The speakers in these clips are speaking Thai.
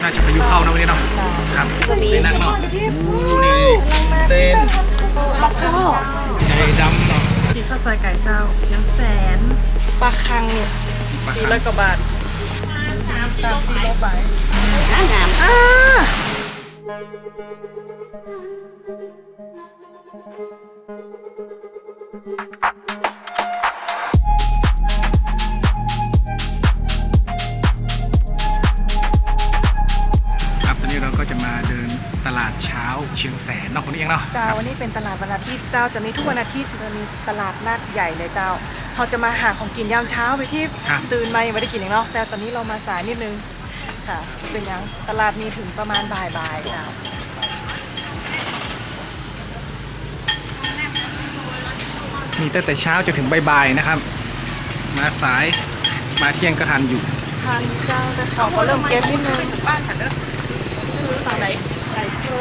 าจะพายุเข้านะวันนี้เนาะครับเต้นนักเนาะนี่เต้นบักข้อไก่ดำเนาะที่ข้าวซอยไก่เจ้ายังแสนปลาคังเนี่ย400 กว่าบาท3-400 บาทงามครับตอนนี้เราก็จะมาเดินตลาดเช้าเชียงแสนเนาะคนนี้เองเนาะเจ้าวันนี้เป็นตลาดวันอาทิตย์เจ้าจะมีทุกวันอาทิตย์จะมีตลาดนัดใหญ่เลยเจ้าเราจะมาหาของกินยามเช้าไปที่ตื่นมายังไม่ได้กินอย่างเนาะแต่ตอนนี้เรามาสายนิดนึงค่ะเป็นยังตลาดมีถึงประมาณบ่ายๆเจ้ามีตั้งแต่เช้าจนถึงบ่ายๆนะครับ มาสายมาเที่ยงก็ทันอยู่ทานเจ้าแต่ของก็เริ่มเก็บนิดนึงบ้านฉันเด้อฝั่งไหนไก่โครง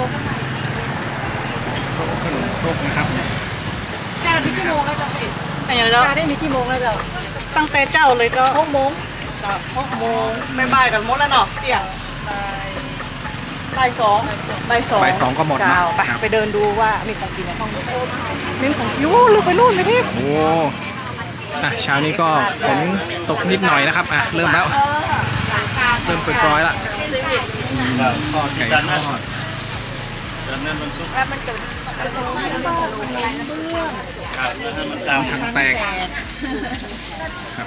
ขนมครกนะครับแค่มีกี่โมงแล้วเจ้าพี่แต่ยังเจ้าได้มีกี่โมงแล้วเจ้าตั้งแต่เจ้าเลยก็6 โมงจ้ะ6 โมงไม่บ่ายกันหมดแล้วเนาะเที่ยงบ่ายสองบ่ายสองก็หมดเนอะเจ้าไปครับไปเดินดูว่ามีของกินในห้องมีของกินลูกไปนู่นไปที่โอ้เช้านี้ก็ฝนตกนิดหน่อยนะครับเริ่มแล้วเริ่มปล่อยๆละทอดไก่ทอดแล้วมันจะทางแตกครับ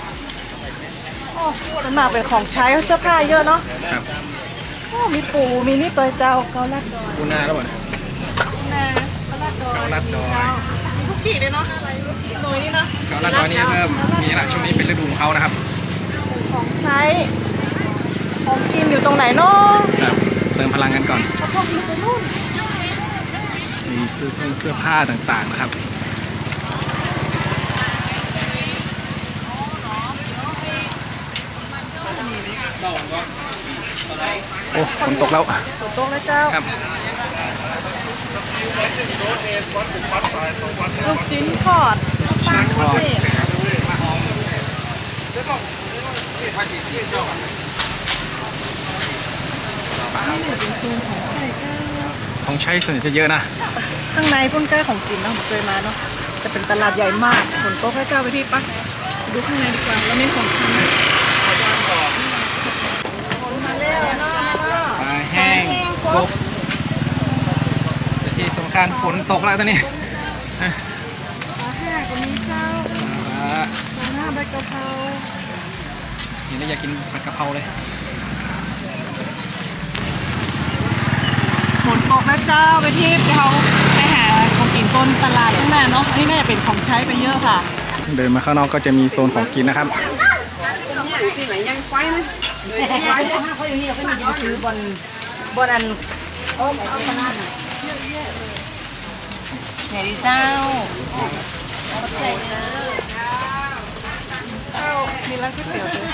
มันมาเป็นของใช้เสื้อผ้าเยอะเนาะครับโอ้มีปูมีนี่ตัวเจ้าเกาลัดดอยปูนาแล้วบ่เนี่ยนะเกาลัดดอยเกาลัดดอยมีทุกขีดเลยเนาะทุกหน่วยนี่เนาะเกาลัดดอยนี่เริ่มมีละช่วงนี้เป็นฤดูของเขานะครับของใช้ของกินอยู่ตรงไหนเนาะครับเติมพลังกันก่อนเอาพวกกินไปนู่นมีเสื้อผ้าต่างๆนะครับโอ้ฝนตกแล้วฝนตกแล้วเจ้าครับลูกชิ้นทอดชิ้นทอดเป็นโซนของใจเจ้าของใช้ส่วนใหญ่จะเยอะนะข้างในพุ่นแก้ของกินเนาะผมเคยมาเนาะจะเป็นตลาดใหญ่มากฝนตกให้เจ้าไปที่ปักดูข้างในดีกว่าแล้วมีของกินมาแล้วเนาะปลาแห้งกบแต่ที่สำคัญฝนตกแล้วตอนนี้ปลาแห้งก็มีเจ้าปลาปลาหน้าใบกะเพราเห็นแล้วอยากกินผัดกะเพราเลยฝนตกนะเจ้าไปที่เขาไปหาของกินต้นตลาดข้างหน้าเนาะอันนี้น่าจะเป็นของใช้ไปเยอะค่ะเดินมาข้างนอกก็จะมีโซนของกินนะครับเขาอย่างนี้เขามียืนซื้อบนอันไหนดีเจ้าใจเลยเจ้ามีร้านก๋วยเตี๋ยวด้วย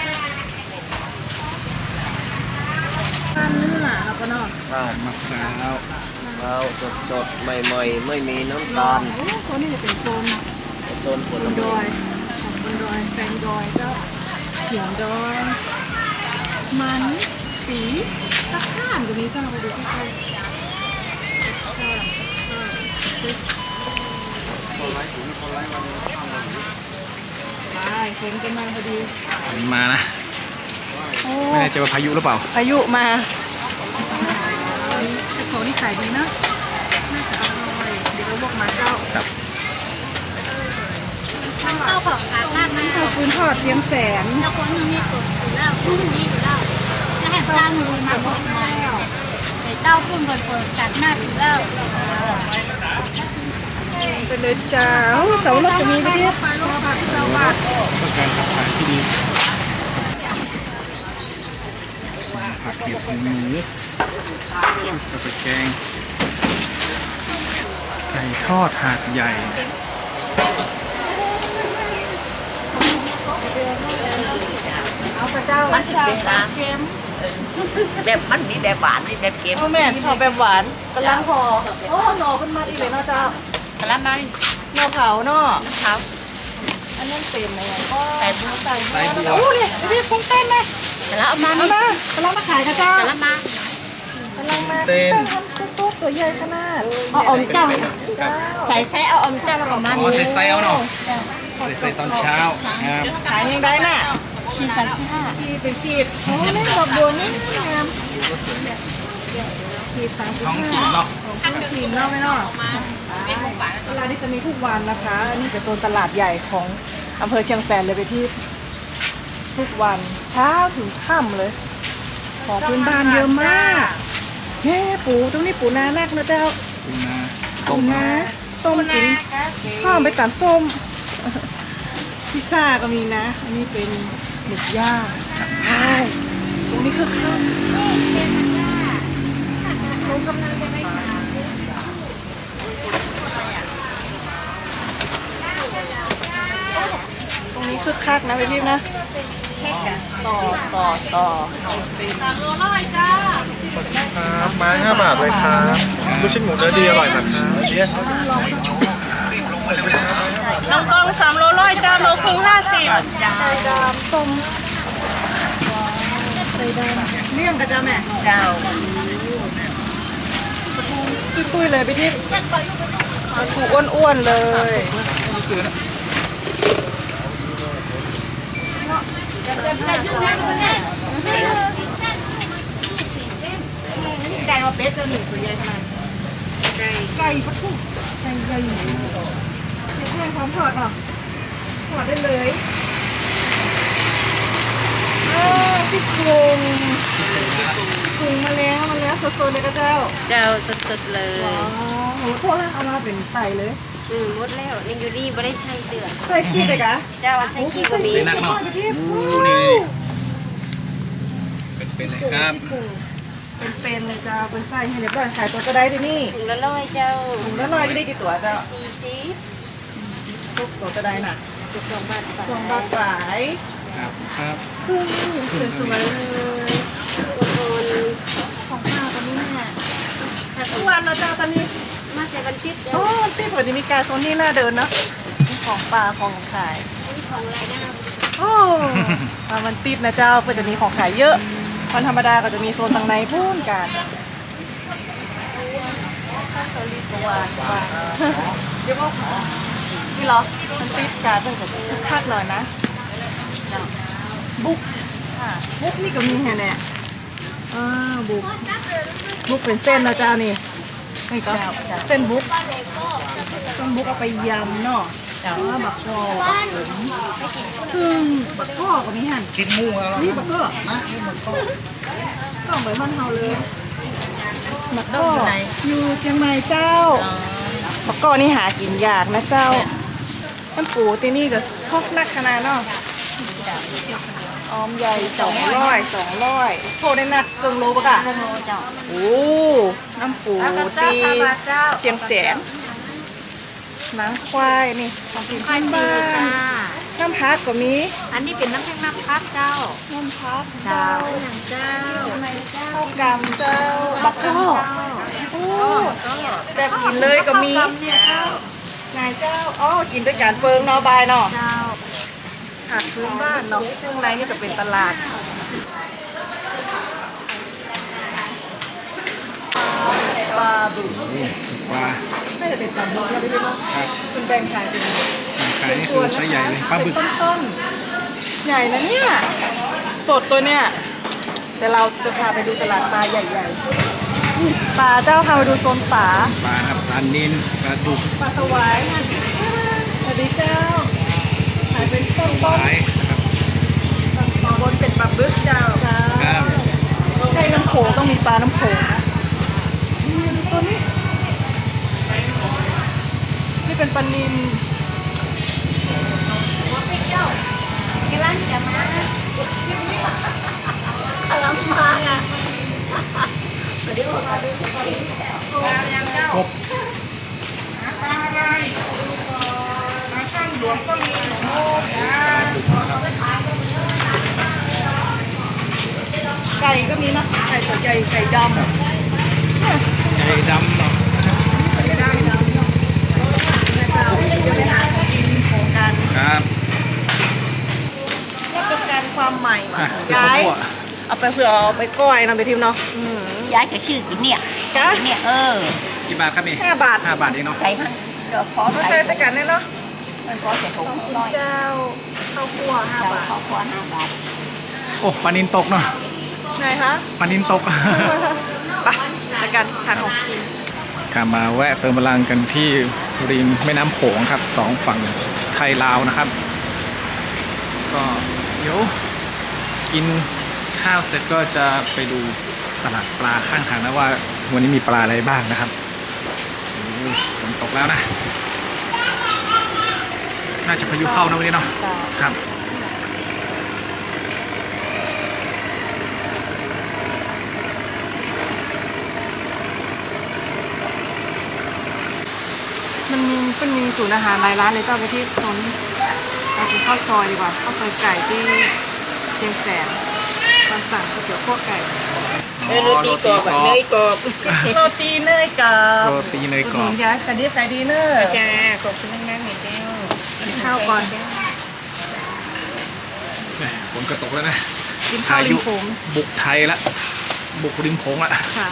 ร้านเนื้อแล้วก็เนาะมะพร้าวข้าวสดๆ ใหม่ๆ ไม่มีน้ำตาลโอ้โซนนี้จะเป็นโซนโซนผบลนดไม้อยของบนดอยแฟงดอยเจ้าเขียงดอยมันปีตะข้านตรงนี้เจ้าไปดูใกล้ๆไปเห็นกันมาพอดีมานะโอ้ไม่แน่ใจว่าพายุหรือเปล่าพายุมาแต่เขานี่ขายดีนะน่าจะอร่อยเดี๋ยวเราลวกมาเจ้าครับเจ้าของร้านมากนะข้าวฟื้นทอดเพียงแสนเจ้าคนนึงนี่ตัวอยู่แล้วผู้นี้อยู่แล้วจะให้เจ้ามือมาบอกมาแต่เจ้าพุ่นเปิดจัดหน้าอยู่แล้วไปเลยจ้าโอ้เสาหลักจะมีไหมเนี่ยเสาบาทต้องการขับถ่ายที่ดีผักเห็ดหมูชุดกระเทียมแกงไก่ทอดหาดใหญ่เอาพระเจ้ามันชาเค็มแบบมันมีแบบหวานมีแบบเค็มเอาแม่หอแบบหวานกำลังพอโอ้หน่อขึ้นมาดีเลยเนาะเจ้ากะละมังหน่อเผาเนาะครับอันนั้นเป็นอะไรอ่ะใส่บัวใส่บัวโอ้เนี่ยพี่ปุ้งเต้นเลยกะละมังเอามากำลังมาขายค่ะเจ้ากะละมังมาเต้นทำซุปตัวใหญ่ขนาดเอาอมเจ้าครับใส่ไส้เอาอมเจ้าแล้วก็มาอ๋อใส่เอาเนาะใส่ตอนเช้าครับขายยังได้น่ะขีด35 ขีดเป็นขีดโอ้นี่ดอกบัวนี่งามขีด35 ท้องถิ่นเนาะของท้องถิ่นเนาะไหมเนาะตลาดนี้จะมีทุกวันนะคะอันนี้เป็นโซนตลาดใหญ่ของอำเภอเชียงแสนเลยไปที่ทุกวันเช้าถึงค่ำเลย ของพื้นบ้านเยอะมากเฮ้ปูตรงนี้ปูนานักนะเจ้าปูนาปูนาต้มกินข้าวไปตำส้ม พิซซ่าก็มีนะ อันนี้เป็นหมึกย่างใช่ตรงนี้คือข้าวตรงนี้คือคักนะพี่ๆนะต่อครับไม้5 บาทเลยครับลูกชิ้นหมูเนื้อดีอร่อยนะครับเนี่ยน้องกอง3 โลร้อยเจ้าโลครึ่ง50จ้าไข่ดำต้มไข่ดำเลี่ยงกันจ้าแม่เจ้าตุ้ยๆเลยพี่ทิพย์ถูกอ้วนๆเลยไก่มาเป็ดเจ้าหนึ่งตัวใหญ่ขนาดไก่ปะทุไก่ใหญ่เผ็ดแห้งพร้อมทอดเนาะทอดได้เลยที่โครงปรุงมาแล้วสดๆเลยก็เจ้าเจ้าสดๆเลยว้าวโหโทษนะเอามาเป็นไต่เลยหมดแล้วนี่อยู่นี่ไม่ได้ใช้เดือดใส่ขี้เลยกะเจ้าใช้กี่ก็มีเป็นนักเนาะพี่อู้นี่เป็นเลยครับเป็นเลยจ้าเป็นไส้ให้เรียบร้อยขายตัวก็ได้ที่นี่ถุงละ100เจ้าถุงละน้อยได้กี่ตัวเจ้า 40 ทุกตัวก็ได้น่ะถูก2 บาทไป 2 บาทขายครับครึ่งสวยๆเลยคนของป้าตอนนี้เนี่ยขายทุกวันนะจ้าตอนนี้มาแต่วันติดเจ้าโอ้ที่ปกติมีการโซนนี่น่าเดินเนาะมีของปลาของขายนี่ของรายได้โอ้มามันติดนะเจ้าก็จะมีของขายเยอะวันธรรมดาก็จะมีโซนทางในพูนกันข้าวโซลีตัวเดี๋ยวว่านี่เหรอมันติดกันเป็นกับคึกคักหน่อยนะบุ๊กบุ๊กนี่ก็มีแฮะเนี่ยบุ๊กเป็นเส้นนะเจ้านี่นี่ก็เส้นบุ๊กเอาไปยำเนาะแต่ว่าบักกอกคือบักกอกก็มีหั่นกินหมูแล้วนี่บักกอกต้องไปบ้านเฮาเลยบักกอกอยู่เชียงใหม่เจ้าบักกอกนี่หากินยากนะเจ้าน้ำปูที่นี่ก็พอกนักขนาดเนาะออมใหญ่200โทษได้นักเกินโลปะกะโลเจ้าโอ้น้ำปูตีเชียงแสนหนังควายนี่ของกินชิ้นบ้านน้ำพักก็มีอันนี้เป็นน้ำแข็งน้ำพักเจ้าน้ำพักเจ้าเจ้าอย่างเจ้าข้าวกำเจ้าบักกอกโอ้แบบกินเลยก็มีนายเจ้าอ๋อกินด้วยการเฟิงเนาะบายเนาะเจ้าหาดพื้นบ้านเนาะซึ่งในนี่จะเป็นตลาดปลาบึกปลาน่าจะเป็นปลาบึกแล้วไม่รู้เนาะครับคุณแบ่งขายเป็นขายนี่คือไซส์ใหญ่เลยปลาบึกต้นๆใหญ่นะเนี่ยสดตัวเนี่ยแต่เราจะพาไปดูตลาดปลาใหญ่ๆปลาเจ้าพาไปดูโซนปลาปลาครับปลานิลปลาดุกปลาสวายค่ะสวัสดีเจ้าขายเป็นต้นปลายนะครับๆบนเป็นปลาบึกเจ้าครับใช่น้ำโขงต้องมีปลาน้ำโขงนะนี่ดูโซนนี้นี่เป็นปลานิลกำลังจะมา กำลังมาอ่ะกบไก่ก็มีนะไก่ตัวใหญ่ไก่ดำเนี่ยไก่ดำเนาะไก่ดำนะครับจะไปหากินของกันครับนี่เป็นการความใหม่อ่ะซื้อข้าวคั่วอเอาไปเผื่อเอาไปก้อยนะไปทิมเนาะย้ายจะชื่อกินเนี่ยจ้าเนี่ยกี่บาทครับนี่ 5 บาท 5 บาทเองเนาะใช้ให้ก็พอมาใส่ตะกันเนี่ยเนาะมันพอเสร็จถุงร้อยเจ้าข้าวคั่ว5 บาทขอควร5 บาทโอ้ปลานินตกเนาะไงคะปลานินตกไปตะกันทานของกินกลับมาแวะเติมพลังกันที่ริมแม่น้ำโขงครับสองฝั่งไทยลาวนะครับ ก็เดี๋ยวกินข้าวเสร็จก็จะไปดูตลาดปลาข้างทางนะว่าวันนี้มีปลาอะไรบ้างนะครับโอ้ฝนตกแล้วนะ น่าจะพายุเข้านะวันนี้เนาะจ้าครับมันมีศูนย์อาหารหลายร้านเลยเจ้าไปที่โซนนี้เรากินข้าวซอยดีกว่าข้าวซอยไก่ที่เชียงแสนตอนสั่งก๋วยเตี๋ยวคั่วไก่โรตีกรอบเนยกรอบโรตีเนยกับโรตีเนยกรอบย้ายแต่ดีเนอร์แกขอบคุณนั่งๆหน่อยเจ้ากินข้าวก่อนแหม่ฝนก็ตกแล้วนะกินข้าวริมโขงบุกไทยละบุกริมโขงละค่ะ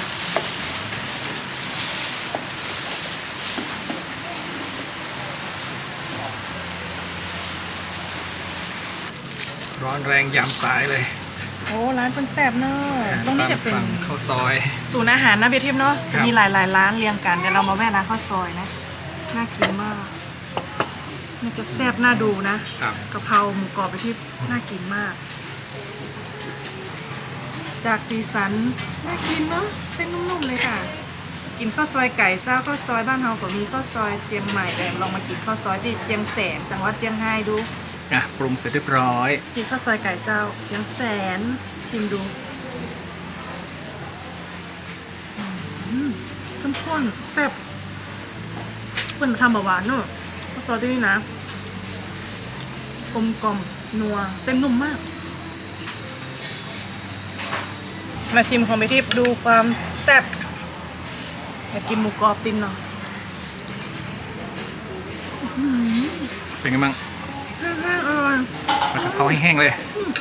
ร้อนแรงยามสายเลยโอ้ร้านเป็นแซ่บเนอะตรงนี้จะเป็นตามสั่งข้าวซอยศูนย์อาหารนะเบียทิพย์เนาะครัจะบมีหลายร้านเรียงกันเดี๋ยวเรามาแวะร้านข้าวซอยนะน่ากินมากน่าจะแซ่บน่าดูนะครับ กะเพราหมูกรอบเบียทิพย์น่ากินมาก จากสีสันน่ากินเนาะเส้นนุ่มๆเลยค่ะ กินข้าวซอยไก่เจ้าข้าวซอยบ้านเฮาก็มีข้าวซอยเจียงใหม่แต่ลองมากินข้าวซอยที่เจียงแสนจังหวัดเจียงไฮ้ดูอ่ะปรุงเสร็จเรียบร้อยกินข้าวซอยไก่เจ้าเจียงแสนชิมดูเข้มข้นแซ่บเพิ่นทำแบบหวานเนอะข้าวซอยที่นี่นะกลมกล่อมนัวเส้นนุ่มมาก มาชิมของไปทิพย์ดูความแซ่บอยากกินหมูกรอบตินเนาะเป็นไงบ้างอร่อยผัดกะเพราให้แห้งเลย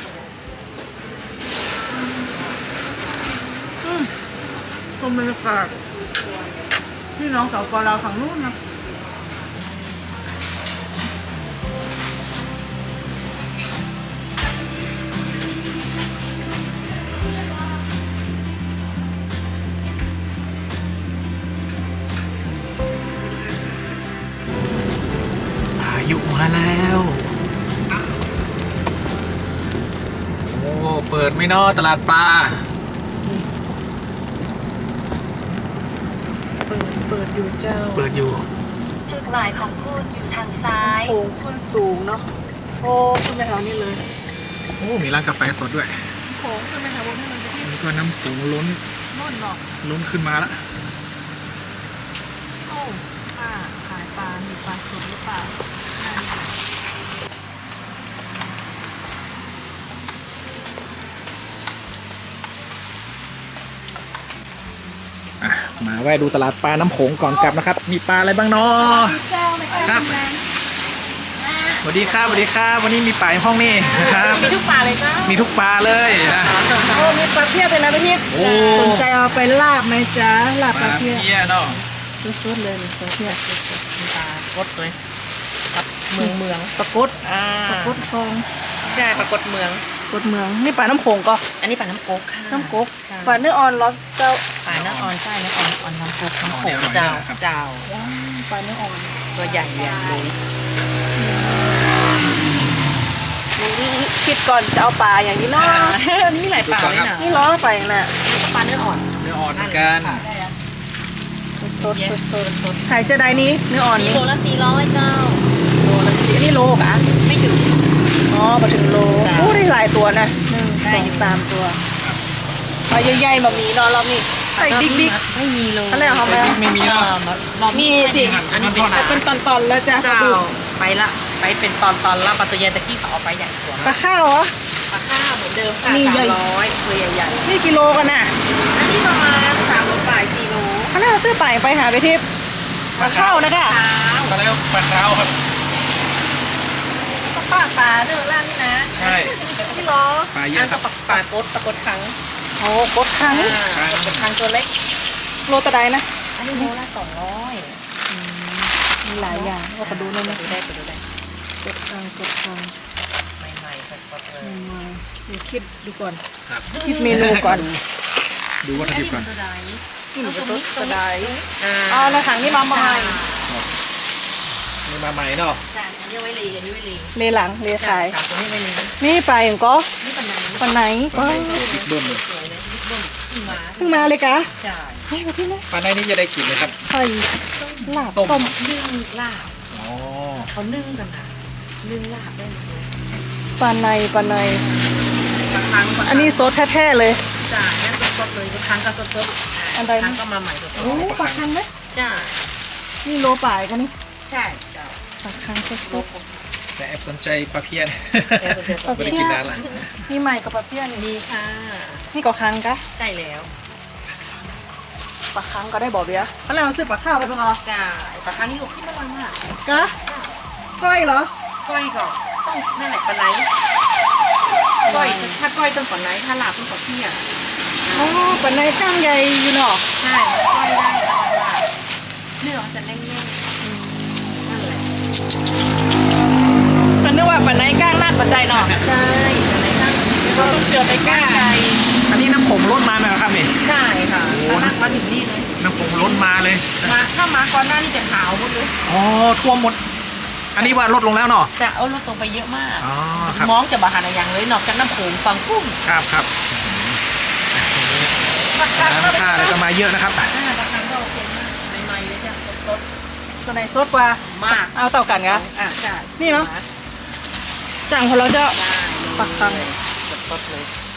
ชมบรรยากาศพี่น้องสาวปอลาวฝั่งนู้นนะพายุมาแล้ว โอ้ เปิดไม่นอตลาดปลาเปิดอยู่เจ้าเปิดอยู่จุดหมายของคุณอยู่ทางซ้ายโค้งขึ้นสูงเนาะโอ้ขึ้นไปแถวนี้เลยโอ้ มีร้านกาแฟสดด้วยโค้งขึ้นไปแถวนี้มันจะที่นี่ก็น้ำโขงล้นนู่นเนาะล้นขึ้นมาแล้วโอ้ป้าขายปลามีปลาสดหรือเปล่าอ่ะ มาแวะดูตลาดปลาน้ำโขงก่อนกลับนะครับ มีปลาอะไรบ้างเนาะครับสวัสดีครับสวัสดีครับวันนี้มีปลาในห้องนี่นะครับมีทุกปลาเลยจ้ามีทุกปลาเลยนะโอ้มีปลาเพี้ยเลยนะพี่ทิพย์โอ้สนใจเอาไปลาบไหมจ๊ะลาบปปลาลาเพี้ยเพี้ยเนาะสดๆเลยปลาเพี้ยปลากดเลยกับเมืองปลากดปลากดทองใช่ปลากดเมืองกดเมืองนี่ปลาน้ำโขงก็อันนี้ปลาน้ำก๊กค่ะน้ำกกใช่ปลาเนื้ออ่อนร้อนเจ้าปลาเนื้ออ่อนใช่เนื้ออ่อนน้ำก๊กน้ำโขงเจ้าเจ้าปลาเนื้ออ่อนตัวใหญ่ใหญ่เลยคิดก่อนจะเอาปลาอย่างนี้เนาะนี่หลายปลาเลยนะนี่ล้อไปน่ะปลาเนื้ออ่อนเนื้ออ่อนเหมือนกันสดขายจะได้นี้เนื้ออ่อนกินี้โลละ400เจ้าโลละสิอันนี้โลกะไม่ถึงอ๋อมาถึงโลจ้ะโอ้ได้หลายตัวนะได้ 1 อยู่ 2 3ตัวปลาใหญ่ๆมามีเนาะรอบนี้ใส่ดิ๊กไม่มีเลยอะไรเหรอคะแม่ไม่มีเนาะมีสิอันนี้เป็นเป็นตอนๆแล้วจ้ะเจ้าไปละไปเป็นตอนละปลาตัวใหญ่ตะกี้เขาเอาไปใหญ่กว่าปลาข้าวเหรอปลาข้าวเหมือนเดิมค่ะนี่ใหญ่ 300ตัวใหญ่นี่กิโลกันน่ะๆอันนี้ประมาณ3 โลป่าย4 โลเขาน่าจะซื้อไปหาไปทิพย์ปลาข้าวนะกะปลาแล้วปลาขาวครับปลาเนื้อร้านนี่นะใช่ที่ล้อปลาเยอัอะนคก็รับปลากดครั้งโอ้กดครั้งกดครั้งตัวเล็กโลตะไดนะอันนี้โลละ200 มีหลายอย่างเราก็ดูหน่อยนะดูได้ดูได้กดครั้งกดครั้งใหม่ๆสดๆเลยดูคิดดูก่อนครับคิดเมนูก่อนดูวัตถุดิบก่อนตัวใดนี่มันจะสดตะไดอ่าอ๋อในถังนี่มาใหม่นี่มาใหม่เนาะจ้ะอันนี้ไว้ลีอันนี้ไว้ลีเลหลังเลขายสามตัวนี้ไว้ลีนี่ปลาอย่างก็นี่ปันไหนปลาไหนปลาก็ในบิ๊กเบิ้มเลยสวยเลยบิ๊กเบิ้มขึ้นมาเพิ่งมาเลยกะจ้ะให้มาที่ไหนปลาในนี่จะได้กลิ่นเลยครับไข่ลาบต้มต้มนึ่งลาบอ๋อเขานึ่งกันนะนึ่งลาบได้หมดเลยปลาในปลาในบางครั้งอันนี้ซดแท้ๆเลยจ้ะนั่นสดๆเลยบางครั้งก็สดๆอันใดบางครั้งก็มาใหม่สดโอ้ปลาคังไหมๆใช่นี่โลป่ายกันนี่ใช่เจ้าปลาคังสดแต่แอบสนใจปลาเพี้ยนแอบสนใจปลาเพี้ยนไม่ได้กินนานละๆนี่ใหม่กับปลาเพี้ยนมีค่ะนี่ก็คังกะใช่แล้วปลาคังก็ได้บ่อเบี้ยเขาเลยเอาซื้อปลาข้าวไปปะคะใช่ปลาครั้งนี้ลูกที่ไม่รังอ่ะกะก้อยเหรอก้อยก่อนต้องนั่นแหละปลาไหนก้อยถ้าก้อยต้องปลาไหนถ้าลาบต้องปลาเพี้ยอ๋อปลาในก้างใหญ่อยู่เนาะใช่ก้อยได้แต่ว่าลาบเนื้อจะแน่นๆนั่นแหละฉันนึกว่าปลาในก้างลาดปัจจัยเนาะใช่ปลาไหนตั้งเราต้องเจอไปก้างไก่อันนี้น้ำผงล้นมาไหมครับนี่ใช่ค่ะถ้าลากมาถึงนี่เลยน้ำผงล้นมาเลยมาถ้ามาก่อนหน้านี่จะขาวหมดเลยอ๋อท่วมหมด อันนี้ว่าลดลงแล้วเนาะจะเอาลดลงไปเยอะมากอ๋อครับมองจะบาหาอะไรอย่างเลยนอกจากน้ำโขงฟังกุ้งครับครับน้ำค่าอะไรก็มาเยอะนะครับบางครั้งก็โอเคมากใหม่ๆเลยจ้ะสดตัวไหนสดกว่าๆมากเอาเต่ากันกะอ่ะใช่นี่เนาะ จังของเราจะได้ปักตังสดๆเลย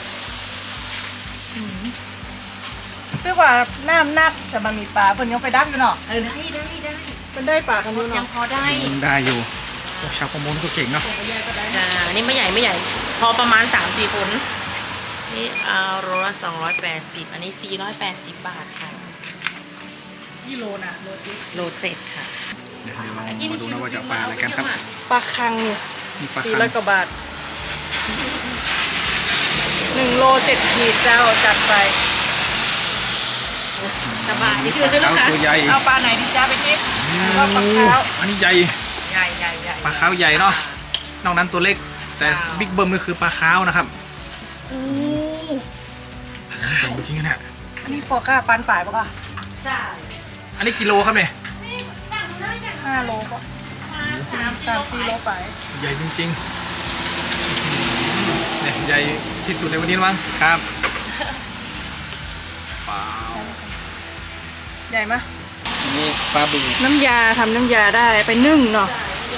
เรียกว่าน้ำนักแต่มันมีปลาเพิ่นยังไปดักอยู่เนาะได้เป็นได้ปลากันอยู่ยัเนาะงพอได้ได้อยู่พวกชาวประมงก็เก่งเนาะใช่อันนี้ไม่ใหญ่พอประมาณ 3-4 คนนี่เอาโลละ280อันนี้480 บาทค่ะกิโลนะโลจิโล7ค่ะเดี๋ยวลองมาดูนะว่าจะเอาปลาอะไรกันครับปลาคังนี่มีปลาสี่คังร้อยกว่าบาท1 โล 7 ขีดเจ้าจัดไปสบายนี่คือด้วยนะคะตัวใหญ่เอาปลาไหนดีจ้าไปทิพย์ก็ปลาขาวอันนี้ใหญ่ใหญ่ปลาขาวใหญ่เนาะ นอกนั้นตัวเล็ก แต่บิ๊กเบิ้มก็คือปลาขาวนะครับอู้ใหญ่จริงๆเนี่ยอันนี้ปอก้าปันป่ายปะคะอันนี้กิโลครับเนี่ย 5 โลก็3-4 โลไปใหญ่จริงๆเนี่ยใหญ่ที่สุดในวันนี้มั้งครับเปล่าใหญ่ไหมนี่ปลาบึงน้ำยาทำน้ำยาได้ไปนึ่งเนาะ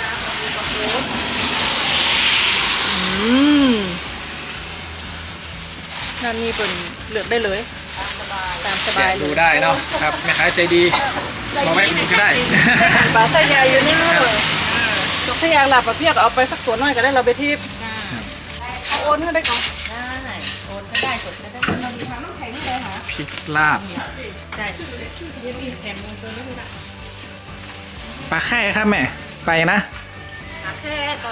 นั่นนี่เป็นเลือกได้เลยตามสบายแกะเลดูยได้เนาะครับแม่ค้าใจดีมาแวะกินก็ได้ปลาไส้ใหญ่อยู่นี่เลยถ้าอยากหลับปลาเพียกเอาไปสักตัวน้อยก็ได้เราไปทิพย์เอาโอนก็ได้ก่อนได้โอนก็ได้สดก็ได้เราดูทางน้ำแข็งนี่เลยค่ะพริกลาบได้เดี๋ยวมีแถมมือตัวนี้ด้วยนะปลาแค่ครับแม่ไปนะแค่ก็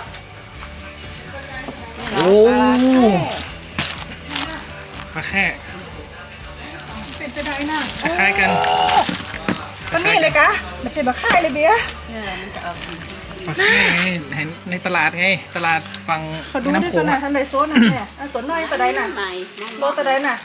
โอ้ปลาแค่เป็นจะได้น่ะคล้ายๆกันก็นี่เลยกะมันจะมาค่ายเลยเบียร์ปลาแค่เห็นในตลาดไง ตลาดฝั่งเขาดูแม่ด้วยน้ำโขกังนนะอะท่านใดโซนนะแม่ตัวน้อยตัวใดน่ะโลตัวใดน่ะ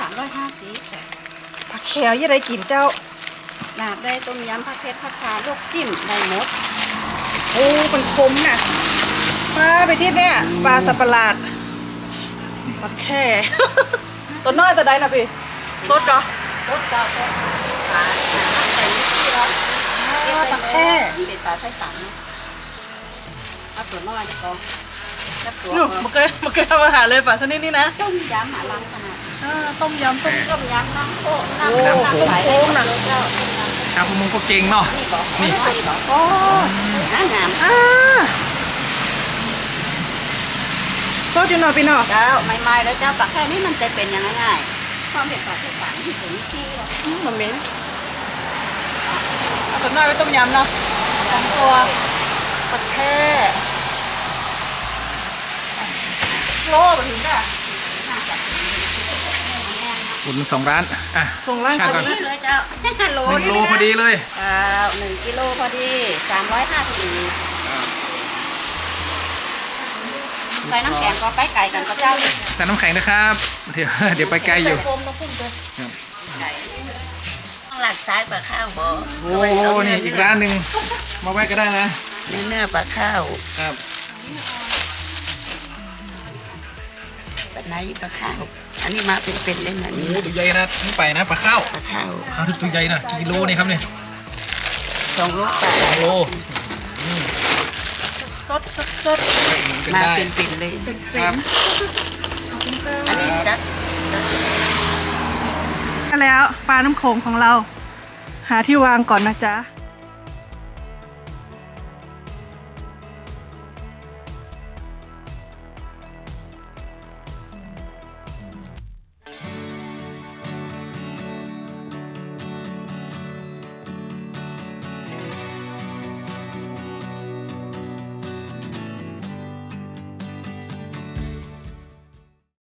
150 ผักแขวยี่ไรกินเจ้าลาบได้ต้มยำผักเผ็ดผักชาลวกจิ้มได้หมดโอ้มันคมน่ะปลาไปที่เนี่ยปลาสับประหลาดปลาแค่ ตัวน้อยตัวใดน่ะพี่สดก่อรสเจ้าก็ขายใส่นิดที่เราปลาแค่เป็นปลาไส้สันเอาตัวน้อยดีกว่าแล้วตัวนู่นมาเคยทำอาหารเลยปลาชนิดนี้นะต้มยำหาล้างขนาดต้มยำต้มต้มยำน้ำโค้กโอ้น้ำต้มโค้งน่ะเจ้าชาวประมงก็เก่งเนาะนี่บอกนี่นี่บอกโอ้งามโซดอยู่หน่อยพี่เนาะเจ้าใหม่ๆแล้วเจ้าปลาแค่นี้มันจะเป็นยังไงง่ายความเป็นปลาไส้สันที่ถึงที่เรามันเหม็นเอาตัวน้อยไปต้มยำเนาะทั้งตัวปลาแค่โลมาถึงจ้ะอุ่น2 ร้านอ่ะส่งร้านช่างพก่ออนดีเลยเจ้า โล 1 โลพอดีเลย 1 กิโลพอดี350ใส่น้ำแข็งก็ไปไก่กันก็เจ้านี่ใส่น้ำแข็งนะครับเดี๋ยวไปไกลอยู่โฟมน้ำพุ่งเลยหลักซ้ายปลาข้าวบ่โอ้นี่อีกร้านหนึ่งมาแวะก็ได้นะเนื้อปลาข้าวครับแบบไหนปลาข้าว อันนี้มาเป็นๆเลยนะโอ้นี่ตัวใหญ่นะนี่ไปนะปลาข้าวปลาข้าวข้าวที่ตัวใหญ่นะกี่กิโลนี่ครับเนี่ย 2 โลกว่า 2 โลสดหมุนกันมาได้เป็นๆเลยครับอันนี้จัดแล้วปลาน้ำโขงของเรา หาที่วางก่อนนะจ๊ะ